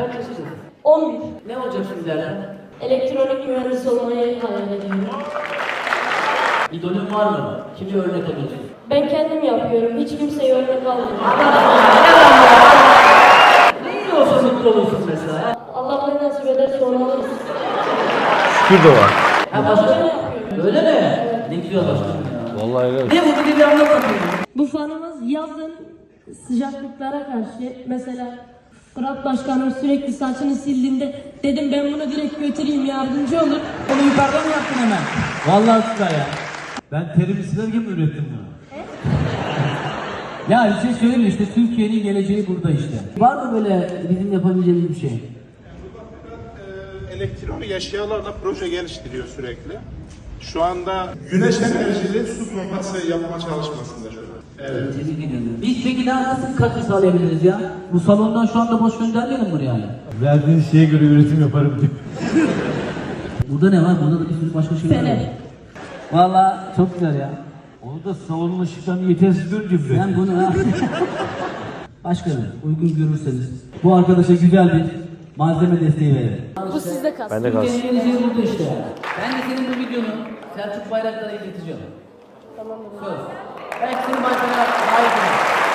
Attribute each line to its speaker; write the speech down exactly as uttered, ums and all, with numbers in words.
Speaker 1: kaç yaşındasın?
Speaker 2: on bir.
Speaker 1: Ne olacaksın ileride?
Speaker 2: Elektronik mühendisi olmayı hayal ediyorum.
Speaker 1: İdolün var mı? Kimi örnek alıyorsun?
Speaker 2: Ben kendim yapıyorum. Hiç kimseye örnek almıyorum.
Speaker 1: Ne iyi olsa mutlu olursun mesela ya.
Speaker 2: Allah ne nasip ederse onu alırız.
Speaker 3: Şükür de var.
Speaker 1: Ha başka? Öyle mi? Ne güzel başkanım ya.
Speaker 3: Vallahi öyle.
Speaker 1: Ne bu bir de anlat bakayım.
Speaker 2: Bu fanımız yazın sıcaklıklara karşı mesela Fırat Başkanım sürekli saçını sildiğinde dedim ben bunu direkt götüreyim yardımcı olur.
Speaker 4: Onu yukarıdan mı yaptın hemen? Vallahi süper ya. Ben terimi silerken mi ürettim bunu? Ya bir şey söyleyeyim mi? İşte Türkiye'nin geleceği burada işte.
Speaker 1: Var mı böyle bizim yapabileceğimiz bir şey?
Speaker 5: Elektronik eşyalarla proje geliştiriyor sürekli. Şu anda güneş enerjili su pompası yapma çalışmasında şu an. Evet.
Speaker 1: Tebrik ediyorum. Biz peki daha nasıl katkı sağlayabiliriz ya? Bu salondan şu anda boş göndermeyelim buraya yani.
Speaker 3: Verdiğiniz şeye göre üretim yaparım diye.
Speaker 1: Burada ne var? Burada da bir sürü başka şeyler var.
Speaker 2: Fener.
Speaker 1: Vallahi çok güzel ya.
Speaker 3: Onu da salonun ışıklarını yetersiz görünce bile.
Speaker 1: Ben bunu ha. Başkanım uygun görürseniz bu arkadaşa güzel bir malzeme desteği verelim.
Speaker 2: Bu sizde kalsın.
Speaker 3: Ben de kalsın.
Speaker 1: Türkiye'nin geleceği burada işte. Ben de senin bu videonu Selçuk Bayraktar'a ileteceğim.
Speaker 2: Tamam.
Speaker 1: Söz. Belki seni başkana davet ederim.